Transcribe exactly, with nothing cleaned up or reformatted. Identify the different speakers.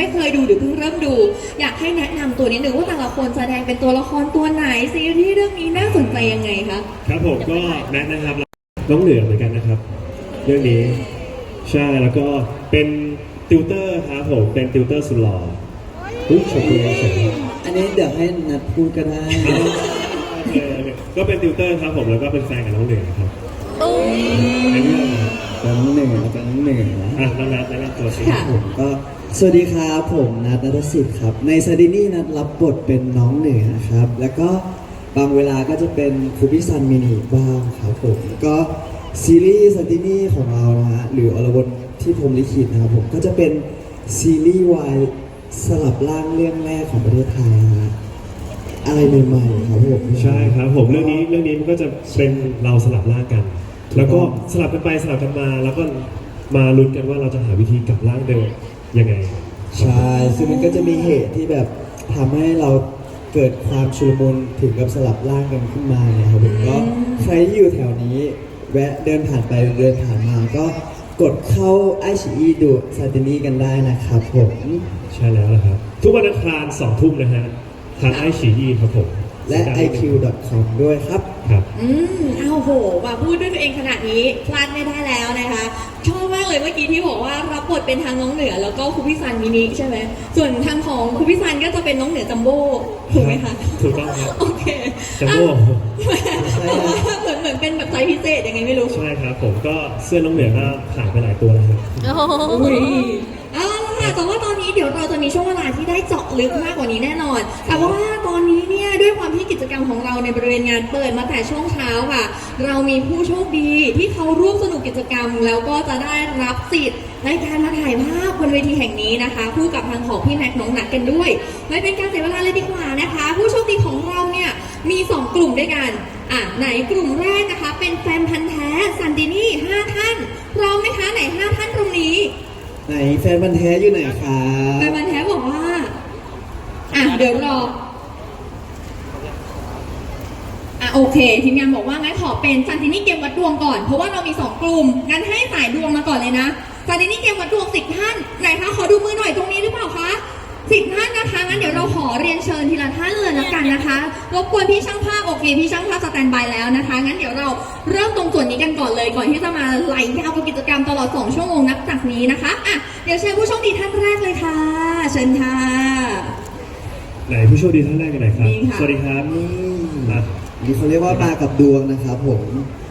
Speaker 1: ไม่เคยดูหรือเพิ่งเริ่มดูอยากให้แนะนำตัวนิดนึงว่าแต่ละคนแสดงเป็นตัวละครตัวไหนซีรีส์เรื่องนี้น่าสนใจยังไงคะ
Speaker 2: ครับผมก็แนะนะครับน้องเหนือเหมือนกันนะครับเรื่องนี้ใช่แล้วก็เป็นติวเตอร์ครับผมเป็นติวเตอร์สุดหล่ออุ้ยชมพูเฉย
Speaker 3: อันนี้เดี๋ยวให้นัดพูดก็ได้
Speaker 2: ก็เป็นติวเตอร์ครับผมแล้วก็เป็นแฟนกับน้องเหนือครับในเรื่อง
Speaker 3: น้องหนึ่งแล้วก็น้องหนึ่งนะ
Speaker 2: อ่ะน้องนัทแนะนำตัวสิ
Speaker 3: ผมก็สวัสดีครับผมนัทณัฐศิษย์ครับในซาดินี่นัทรับบทเป็นน้องเหนือนะครับแล้วก็บางเวลาก็จะเป็นครูพิซันมินิบ้างครับผมก็ซีรีส์ซาดินี่ของเรานะฮะหรืออรวนที่ผมลิขิตนะครับผมก็จะเป็นซีรีส์วายสลับร่างเรื่องแรกของประเทศไทยนะอะไรใหม่ๆครับผม
Speaker 2: ใช่ครับผมเรื่องนี้เรื่องนี้มันก็จะเป็นเราสลับร่างกันแล้วก็สลับกันไปสลับกันมาแล้วก็มาลุ้นกันว่าเราจะหาวิธีกลับร่างเดิมยังไง
Speaker 3: ใช่ซึ่งมันก็จะมีเหตุที่แบบทำให้เราเกิดความชุลมุนถึงกับสลับร่างกันขึ้นมาเนี่ยครับผมก็ใครที่อยู่แถวนี้แวะเดินผ่านไปเดินผ่านมาก็กดเข้าไอชีดูซาตินี่กันได้นะครับผม
Speaker 2: ใช่แล้วนะครับทุกวันอังคารสองทุ่มนะฮะทางไอชีครับผม
Speaker 3: และ ไอ คิว ดอท คอม ด้วยครับ
Speaker 2: ครับ
Speaker 1: อืมอ้าวโหมาพูดด้วยตัวเองขนาดนี้พลาดไม่ได้แล้วนะคะชอบมากเลยเมื่อกี้ที่บอกว่ารับบทเป็นทางน้องเหนือแล้วก็ครูพิซันมินิใช่ไหมส่วนทางของครูพิซันก็จะเป็นน้องเหนือจัมโบ้ถูกไหมคะ
Speaker 2: ถูกต้องครับ
Speaker 1: โอเค
Speaker 2: จัมโบ้
Speaker 1: เหมือนเหมือนเป็นแบบไซส์พิเศษยังไงไม่รู้
Speaker 2: ใช่ครับผมก็เสื้อน้องเหนือก็ขายไปหลายตัวแล้วครับ
Speaker 1: โอ้ยเอาละค่ะแต่ว่าตอนนี้เดี๋ยวเราจะมีช่วงเวลาที่ได้เจาะลึกมากกว่านี้แน่นอนแต่ว่าตอนนี้เนี่ยด้วยความที่กิจกรรมของเราในบริเวณงานเปิดมาแต่ช่วงเช้าค่ะเรามีผู้โชคดีที่เขาร่วมสนุกกิจกรรมแล้วก็จะได้รับสิทธิ์ในการมาถ่ายภาพบนเวทีแห่งนี้นะคะคู่กับทางของพี่แม็กน้องหนักกันด้วยไม่เป็นการเสียเวลาเลยดีกว่านะคะผู้โชคดีของเราเนี่ยมีสองกลุ่มด้วยกันอ่ะไหนกลุ่มแรกนะคะเป็นแฟนพันธ์แท้ซันดินี่ห้าท่านพร้อมไหมคะไหนห้าท่านตรงนี้
Speaker 3: ไหนแฟนพันธ์แท้อยู่ไหนครับ
Speaker 1: แฟนพันธ์แท้บอกว่าอ่ะเดี๋ยวรออ่ะโอเคทีมงานบอกว่างั้นขอเป็นซันตินี่เกมวัดดวงก่อนเพราะว่าเรามีสองกลุ่มงั้นให้สายดวงมาก่อนเลยนะซันตินี่เกมวัดดวงสิบท่านไหนคะขอดูมือหน่อยตรงนี้หรือเปล่าคะสิบท่านนะคะงั้นเดี๋ยวเราขอเรียนเชิญทีละท่านเลยแล้วกันนะคะรบกวนพี่ช่างภาพโอเคพี่ช่างภาพสแตนบายแล้วนะคะงั้นเดี๋ยวเราเริ่มตรงส่วนนี้กันก่อนเลยก่อนที่จะมาไหลยาวกับกิจกรรมตลอดสองชั่วโมงนับจากนี้นะคะอ่ะเดี๋ยวเชิญผู้โชคดีท่านแรกเลยค่ะเชิญค่ะ
Speaker 2: ไหนผู้โชคดีท่านแรกกันไหนครับสวัสดีครับ
Speaker 3: นี่นี่เขาเรียกว่ามากับดวงนะครับผม